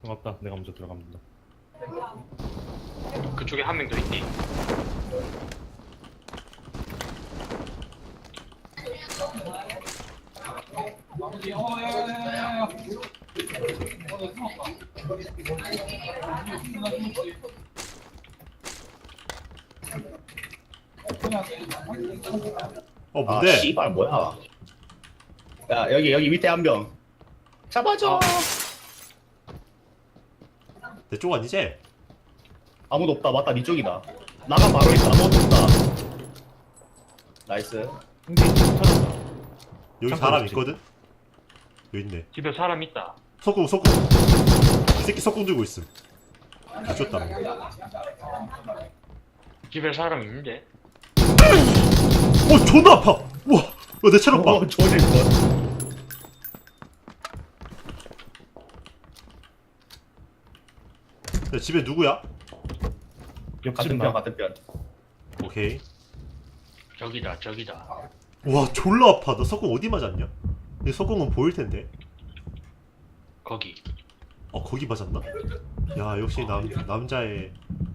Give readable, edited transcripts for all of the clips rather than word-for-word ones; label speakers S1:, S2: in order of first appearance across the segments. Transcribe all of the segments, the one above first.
S1: 반갑다. 내가 먼저 들어갑니다.
S2: 그쪽에 한 명 더 있니?
S3: 아
S4: 뭔데?
S3: 씨발 뭐야? 야 여기 밑에 한 명. 잡아줘.
S4: 내 쪽 아니지?
S3: 아무도 없다. 맞다 니 쪽이다. 나가 바로 있다. 아무도 없다. 나이스.
S1: 근데 찾았다.
S4: 여기
S1: 잠깐
S4: 사람
S1: 있지.
S4: 있거든? 여기 있네.
S2: 집에 사람 있다.
S4: 석궁 이 새끼 석궁 들고 있음. 미쳤다.
S2: 집에 사람 있는데?
S4: 존나 아파! 우와! 내 체력 봐!
S3: 조질 것.
S4: 야, 집에 누구야?
S1: 옆집
S3: 같은
S1: 나.
S3: 편 같은 편.
S4: 오케이.
S2: 저기다.
S4: 와 졸라 아파. 너 석궁 어디 맞았냐? 내 석궁은 보일 텐데.
S2: 거기.
S4: 거기 맞았나? 야 역시 남자의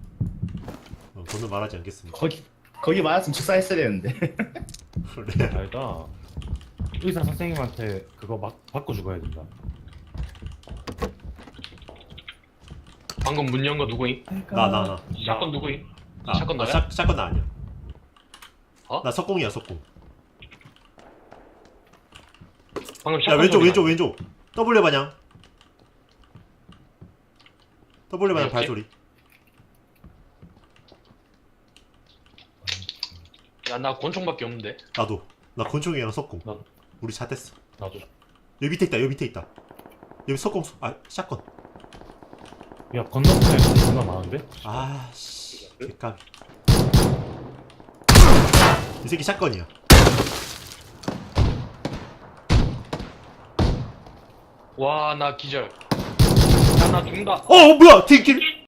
S4: 저는 말하지 않겠습니다.
S3: 거기 맞았으면 축사했어야 되는데.
S4: 그래.
S1: 알다. 의사 선생님한테 그거 막 받고 죽어야 된다.
S2: 방금 문 연 거 누구임?
S4: 나.
S2: 샷건 누구임?
S4: 아,
S2: 샷건 너야?
S4: 샷건 나 아니야.
S2: 어?
S4: 나 석궁이야 석궁.
S2: 방금
S4: 야
S2: 샷건
S4: 왼쪽. W 반향. W 반향
S2: 뭐였지?
S4: 발소리.
S2: 야나 권총밖에 없는데.
S4: 나도. 나 권총이랑 석궁.
S1: 나도.
S4: 우리 잣됐어.
S1: 나도.
S4: 여기 밑에 있다. 여기 석궁 샷건.
S1: 야 건너편에 존나 많은데?
S4: 아씨 개까비. 이 새끼 샷건이야.
S2: 와 나 기절. 야나 죽는다.
S4: 뭐야 뒷길.